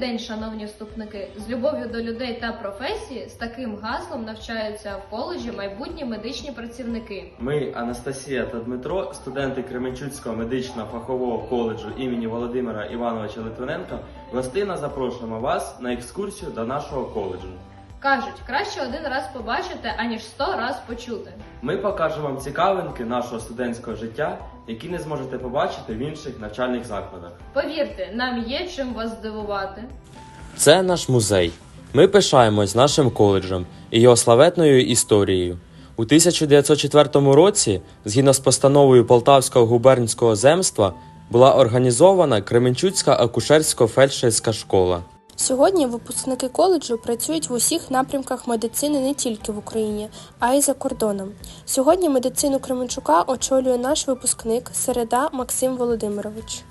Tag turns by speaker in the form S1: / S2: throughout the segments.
S1: день, шановні вступники! З любов'ю до людей та професії з таким гаслом навчаються в коледжі майбутні медичні працівники.
S2: Ми, Анастасія та Дмитро, студенти Кременчуцького медичного фахового коледжу імені Володимира Івановича Литвиненка, гостинно запрошуємо вас на екскурсію до нашого коледжу.
S1: Кажуть, краще один раз побачити, аніж 100 раз почути.
S2: Ми покажемо вам цікавинки нашого студентського життя, які не зможете побачити в інших навчальних закладах.
S1: Повірте, нам є чим вас здивувати.
S3: Це наш музей. Ми пишаємось нашим коледжем і його славетною історією. У 1904 році, згідно з постановою Полтавського губернського земства, була організована Кременчуцька акушерсько-фельдшерська школа.
S4: Сьогодні випускники коледжу працюють в усіх напрямках медицини не тільки в Україні, а й за кордоном. Сьогодні медицину Кременчука очолює наш випускник Середа Максим Володимирович.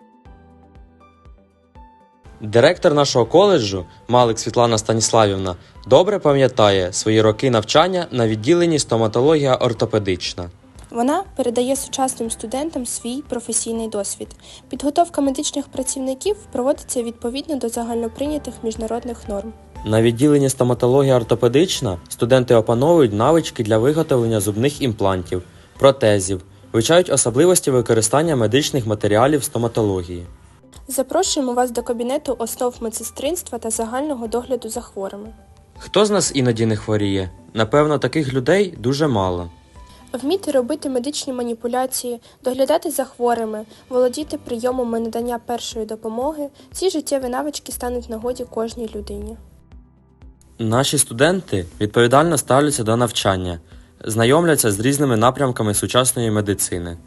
S3: Директор нашого коледжу, Малик Світлана Станіславівна, добре пам'ятає свої роки навчання на відділенні стоматологія ортопедична.
S4: Вона передає сучасним студентам свій професійний досвід. Підготовка медичних працівників проводиться відповідно до загальноприйнятих міжнародних норм.
S3: На відділенні стоматологія ортопедична студенти опановують навички для виготовлення зубних імплантів, протезів, вивчають особливості використання медичних матеріалів стоматології.
S4: Запрошуємо вас до кабінету основ медсестринства та загального догляду за хворими.
S3: Хто з нас іноді не хворіє? Напевно, таких людей дуже мало.
S4: Вміти робити медичні маніпуляції, доглядати за хворими, володіти прийомами надання першої допомоги – ці життєві навички стануть в нагоді кожній людині.
S3: Наші студенти відповідально ставляться до навчання, знайомляться з різними напрямками сучасної медицини.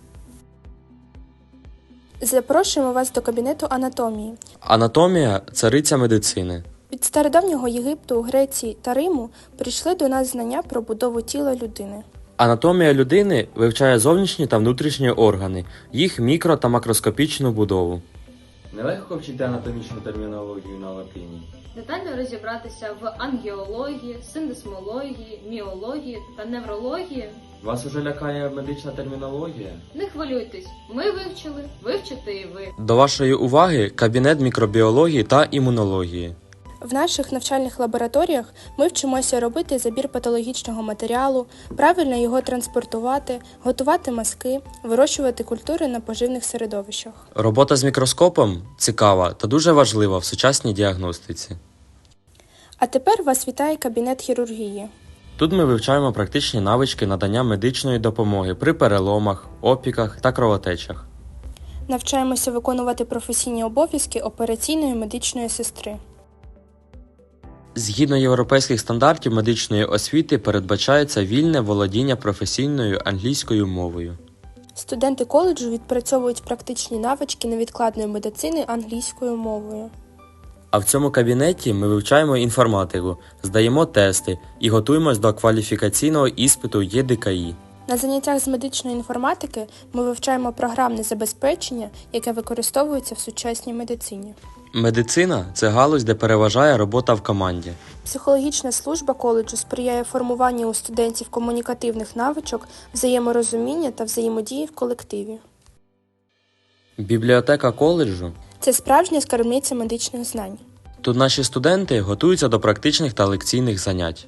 S4: Запрошуємо вас до кабінету анатомії.
S3: Анатомія – цариця медицини.
S4: Від стародавнього Єгипту, Греції та Риму прийшли до нас знання про будову тіла людини.
S3: Анатомія людини вивчає зовнішні та внутрішні органи, їх мікро- та макроскопічну будову.
S2: Нелегко вчити анатомічну термінологію на латині.
S1: Детально розібратися в ангіології, синдесмології, міології та неврології.
S2: Вас уже лякає медична термінологія?
S1: Не хвилюйтесь, ми вивчили, вивчите і ви.
S3: До вашої уваги кабінет мікробіології та імунології.
S4: В наших навчальних лабораторіях ми вчимося робити забір патологічного матеріалу, правильно його транспортувати, готувати мазки, вирощувати культури на поживних середовищах.
S3: Робота з мікроскопом цікава та дуже важлива в сучасній діагностиці.
S4: А тепер вас вітає кабінет хірургії.
S3: Тут ми вивчаємо практичні навички надання медичної допомоги при переломах, опіках та кровотечах.
S4: Навчаємося виконувати професійні обов'язки операційної медичної сестри.
S3: Згідно європейських стандартів медичної освіти передбачається вільне володіння професійною англійською мовою.
S4: Студенти коледжу відпрацьовують практичні навички невідкладної медицини англійською мовою.
S3: А в цьому кабінеті ми вивчаємо інформатику, здаємо тести і готуємось до кваліфікаційного іспиту ЄДКІ.
S4: На заняттях з медичної інформатики ми вивчаємо програмне забезпечення, яке використовується в сучасній медицині.
S3: Медицина – це галузь, де переважає робота в команді.
S4: Психологічна служба коледжу сприяє формуванню у студентів комунікативних навичок, взаєморозуміння та взаємодії в колективі.
S3: Бібліотека коледжу
S4: – це справжня скарбниця медичних знань.
S3: тут наші студенти готуються до практичних та лекційних занять.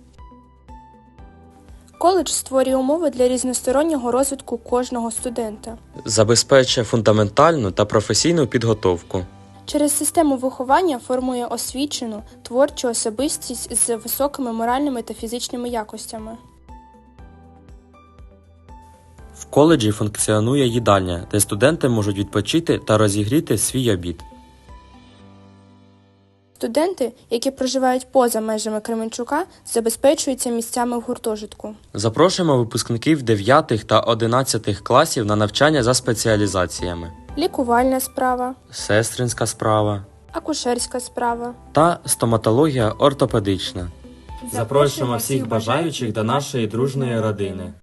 S4: Коледж створює умови для різностороннього розвитку кожного студента.
S3: Забезпечує фундаментальну та професійну підготовку.
S4: Через систему виховання формує освічену, творчу особистість з високими моральними та фізичними якостями.
S3: В коледжі функціонує їдальня, де студенти можуть відпочити та розігріти свій обід.
S4: Студенти, які проживають поза межами Кременчука, забезпечуються місцями в гуртожитку.
S3: Запрошуємо випускників 9 та 11 класів на навчання за спеціалізаціями.
S4: Лікувальна справа,
S3: Сестринська справа
S4: акушерська справа.
S3: та стоматологія ортопедична.
S4: Запрошуємо всіх бажаючих до нашої дружної родини.